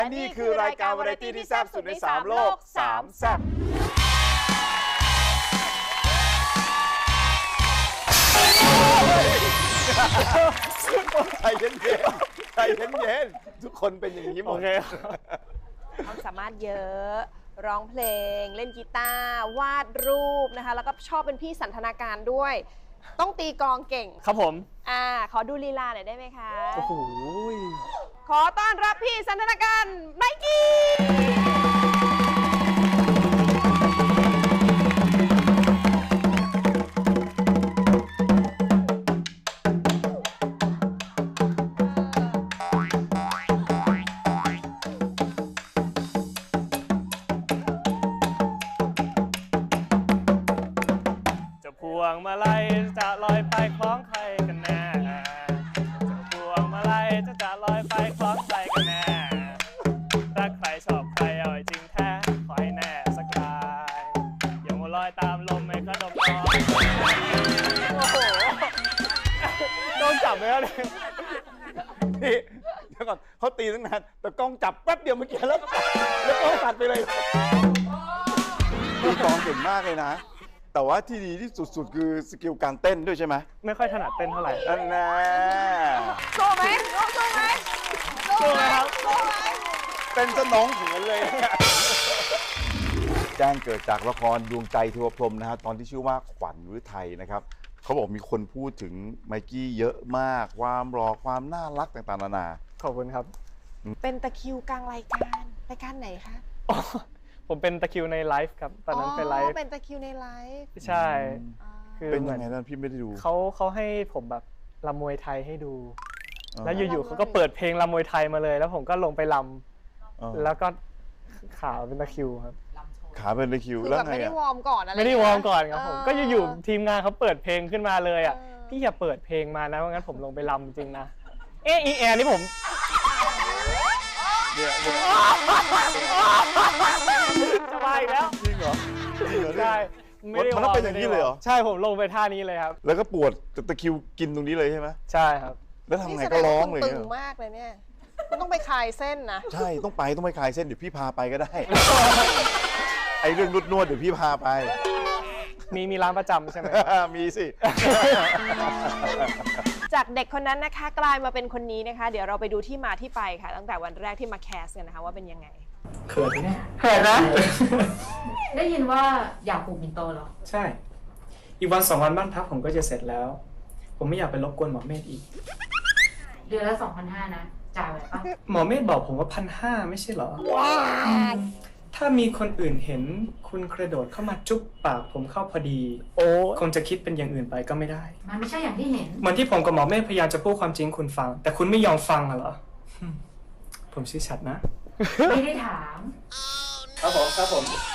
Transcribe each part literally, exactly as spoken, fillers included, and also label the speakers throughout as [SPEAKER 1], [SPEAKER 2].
[SPEAKER 1] และนี่คือรายการวาไรตี้ที่แซ่บสุดในสามโลกสามแซ่บใจเย็นๆใจเย็นๆทุกคนเป็นอย่างนี้หมด
[SPEAKER 2] โอเค
[SPEAKER 3] ความสามารถเยอะร้องเพลงเล่นกีตาร์วาดรูปนะคะแล้วก็ชอบเป็นพี่สันทนาการด้วย ต้องตีกลองเก่ง
[SPEAKER 2] ครับผม
[SPEAKER 3] อ่าขอดูลีลาหน่อยได้ไหมคะ
[SPEAKER 2] โอ้โห
[SPEAKER 3] ขอต้อนรับพี่สันทนาการไนกี้
[SPEAKER 2] พวงมาลัยจะลอยไปคล้องใครกันแน่จะพวงมาลัยจะจะลอยไปคล้องใครกันแน่ถ้าใครชอบใครเอาไอ้จริงแท้ขอให้แน่สักรายอย่ามัวลอยตามลมไม่กระดมร้อนโอ้โหโดนจับไหมครับเนี่ย
[SPEAKER 1] นี่เดี๋ยวก่อนเขาตีตั้งนานแต่กล้องจับแป๊บเดียวเมื่อกี้แล้วแล้วกล้องตัดไปเลยตีกลองเก่งมากเลยนะแต่ว่าที่ดีที่สุดๆคือสกิลการเต้นด้วยใช่ไหม
[SPEAKER 2] ไม่ค่อยถนัดเต้นเท่าไหร่
[SPEAKER 1] นั่นแน่
[SPEAKER 3] โชว์ไหมโชว์โชว์ไหม
[SPEAKER 2] โชว์ไหมครับ
[SPEAKER 3] โชว์ไหม
[SPEAKER 1] เป็นสนองเหินเลย แจ้งเกิดจากละครดวงใจเทวพรหมนะฮะตอนที่ชื่อว่าขวัญฤทัยนะครับเขาบอกมีคนพูดถึงไมกี้เยอะมากความรอความน่ารักต่างๆนานา
[SPEAKER 2] ขอบคุณครับ
[SPEAKER 3] เป็นตะคริวกลางรายการรายการไหนคะ
[SPEAKER 2] อ๋อผมเป็นตะคริวในไลฟ์ครับตอนนั้นเป็นไล
[SPEAKER 3] อ๋อ
[SPEAKER 2] ฟ์
[SPEAKER 3] เป็นตะคริวในไลฟ์
[SPEAKER 2] ใช่
[SPEAKER 3] อ๋อ
[SPEAKER 2] คือ
[SPEAKER 1] เป็น
[SPEAKER 2] เหมื
[SPEAKER 1] ยั
[SPEAKER 2] อน
[SPEAKER 1] งไงนั่นพี่ไม่ได้ดู
[SPEAKER 2] เขาเขาให้ผมแบบรำมวยไทยให้ดู
[SPEAKER 1] อ๋อ
[SPEAKER 2] แล้วอยู่ๆเขาก็เปิดเพลงรำมวยไทยมาเลย แล้วผมก็ลงไปร
[SPEAKER 1] อ๋อ
[SPEAKER 2] ำแล้วก็ขาเป็นตะคริวครับ
[SPEAKER 1] ขาเป็นตะคริว
[SPEAKER 3] คือ
[SPEAKER 1] แล้ว
[SPEAKER 3] แบบ
[SPEAKER 1] ไง
[SPEAKER 3] ไม่ได้
[SPEAKER 1] อะ
[SPEAKER 3] วอร์มก่อนอะไร
[SPEAKER 2] ไม่ได้วอร์มก่อนครับผม
[SPEAKER 3] เ
[SPEAKER 2] ก็อยู่ๆทีมงานเขาเปิดเพลงขึ้นมาเลยอ่ะ
[SPEAKER 3] เออ
[SPEAKER 2] พี่อย่าเปิดเพลงมานะเพราะงั้นผมลงไปรำจริงๆนะเอะอีแอร์นี่ผม
[SPEAKER 1] เนี่ยเนี่ย
[SPEAKER 2] จะมาอีกแล้ว
[SPEAKER 1] จริงเหรอจริงเหรอเนี่ย
[SPEAKER 2] ใช่ไม่ได้
[SPEAKER 1] มันต้องเป็นอย่างนี้เลยเหรอ
[SPEAKER 2] ใช่ผมลงไปท่านี้เลยครับ
[SPEAKER 1] แล้วก็ปวดตะคริวกินตรงนี้เลยใช่ไหม
[SPEAKER 2] ใช่ครับ
[SPEAKER 1] แล้วทำไง
[SPEAKER 3] นี่แสด
[SPEAKER 1] ก็
[SPEAKER 3] ง
[SPEAKER 1] ร้อ
[SPEAKER 3] ว่าง คุณ
[SPEAKER 1] เลย
[SPEAKER 3] ตึ
[SPEAKER 1] เนี่ย
[SPEAKER 3] งมากเลยเนี่ยคุณต้องไปคลายเส้นนะ
[SPEAKER 1] ใช่ต้องไปต้องไปคลายเส้นเดี๋ยวพี่พาไปก็ได้ ไอเรื่องนวดนวดๆเดี๋ยวพี่พาไป
[SPEAKER 2] มีมีร้านประจำใช่ไหม
[SPEAKER 1] มีสิ
[SPEAKER 3] จากเด็กคนนั้นนะคะกลายมาเป็นคนนี้นะคะ เดี๋ยวเราไปดูที่มาที่ไปค่ะ ตั้งแต่วันแรกที่มาแคสกันนะคะว่าเป็นยังไง
[SPEAKER 2] เขินไหมเนี่ยเขินนะ
[SPEAKER 4] ได้ยินว่าอยากปลูกปิ่นโตเหรอ
[SPEAKER 2] ใช่ อีกวันสองวันบ้านพักผมก็จะเสร็จแล้ว ผมไม่อยากไปรบกวนหมอเมธอีก
[SPEAKER 4] เดือนละสองพันห้านะ จ่ายไหวปะ
[SPEAKER 2] หมอเมธบอกผมว่าพันห้าไม่ใช่เหรอ ถ้ามีคนอื่นเห็นคุณกระโดดเข้ามาจุ๊บปากผมเข้าพอดี โอ้คงจะคิดเป็นอย่างอื่นไปก็ไม่ได้
[SPEAKER 4] มันไม่ใช่อย่างที่เห็น
[SPEAKER 2] เหมือนที่ผมกับหมอเมธพยายามจะพูดความจริงคุณฟัง แต่คุณไม่ยอมฟังเหรอ ผมชื่อชัดนะ
[SPEAKER 4] ไม่ได้ถาม
[SPEAKER 2] ครับผมครับผม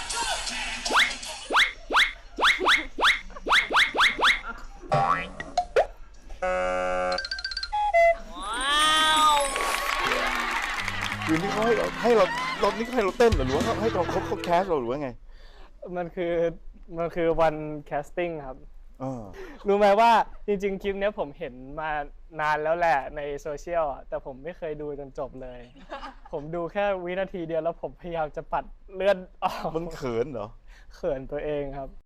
[SPEAKER 1] คือนี่เขาให้เราให้เราเรานี่เขาให้เราเต้นเหรอหรือว่าเขาให้เราเขาเขาแคสเราหรือว่าไง
[SPEAKER 2] มันคือมันคือวันแคสติ้งครับ
[SPEAKER 1] เออ
[SPEAKER 2] รู้ไหมว่าจริงๆ คลิปเนี้ยผมเห็นมานานแล้วแหละในโซเชียลอ่ะแต่ผมไม่เคยดูจนจบเลย ผมดูแค่วินาทีเดียวแล้วผมพยายามจะปัดเลื่อนออก
[SPEAKER 1] มันเขินเหรอ
[SPEAKER 2] เขินตัวเองครับ